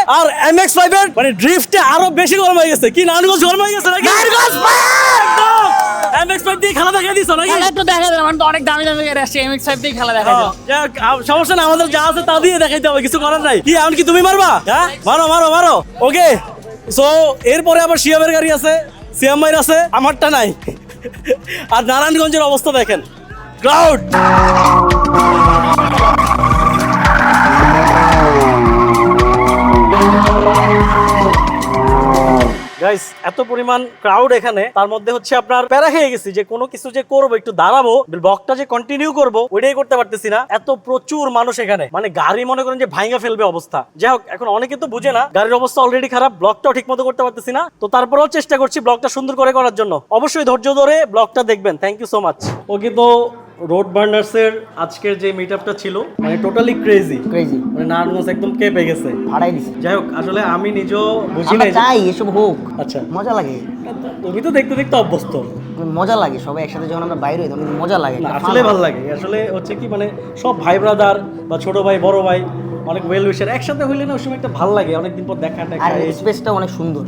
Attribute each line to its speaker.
Speaker 1: আর MX-5 এর মানে ড্রিফটে আরো বেশি গরম হয়ে গেছে। কি নারায়ণগঞ্জ গরম হয়ে গেছে নাকি?
Speaker 2: নারায়ণগঞ্জ
Speaker 1: MX-5 দিয়ে খেলা দেখাই দিছো নাকি?
Speaker 2: খেলা তো দেখা যায়, আমার তো অনেক দামি দামি গাড়ি আসছে, MX-5 দিয়ে খেলা দেখা যায়।
Speaker 1: যাক, সমস্যা না, আমাদের যা আছে তা দিয়ে দেখাইতে হবে, কিছু করার নাই। কি এমন কি তুমি মারবা? হ্যাঁ, মারো মারো মারো। ওকে, সো এরপরে আবার শিয়াবের গাড়ি আছে, সিয়াম ভাইয়ের আছে, আমারটা নাই। আর নারায়ণগঞ্জের অবস্থা দেখেন, ক্রাউড। গাইস, এত পরিমাণ ক্রাউড এখানে, তার মধ্যে হচ্ছে আপনার প্যারা খেয়ে গেছি যে কোনো কিছু যে করবো, একটু দাঁড়াবো, ব্লগটা যে কন্টিনিউ করবো ওইটাই করতে পারতেছি না। এত প্রচুর মানুষ এখানে, মানে গাড়ি মনে করেন যে ভাঙা ফেলবে অবস্থা। যাই হোক, এখন অনেকে তো বুঝে না, গাড়ির অবস্থা অলরেডি খারাপ, ব্লগটাও ঠিক মতো করতে পারতেছি না। তো তারপরেও চেষ্টা করছি ব্লগটা সুন্দর করে করার জন্য। অবশ্যই ধৈর্য ধরে ব্লগটা দেখবেন। Thank you so much. Okay, তো রোড বার্নার্স এর আজকের যে মিটআপটা ছিল, মানে টোটালি ক্রেজি, মানে নারায়ণগঞ্জ একদম কেঁপে গেছে,
Speaker 3: ভাড়াই দিছি।
Speaker 1: যাই হোক, আসলে আমি নিজেও বুঝি
Speaker 3: আমরা
Speaker 1: নাই
Speaker 3: চাই এসব হোক,
Speaker 1: আচ্ছা,
Speaker 3: মজা লাগে,
Speaker 1: তুমি তো দেখতে দেখতে অভ্যস্ত।
Speaker 3: মজা লাগে সবাই একসাথে যখন আমরা বাইরে হই তখন মজা লাগে,
Speaker 1: না,
Speaker 3: একটা
Speaker 1: আসলে
Speaker 3: fun
Speaker 1: ভালো লাগে। আসলে হচ্ছে কি, মানে সব ভাই ব্রাদার বা ছোট ভাই বড় ভাই অনেক ওয়েল উইশার একসাথে হইলে না ওই সময় একটা ভালো লাগে, অনেকদিন পর দেখা
Speaker 3: আর
Speaker 1: টাকা।
Speaker 3: স্পেসটা অনেক সুন্দর।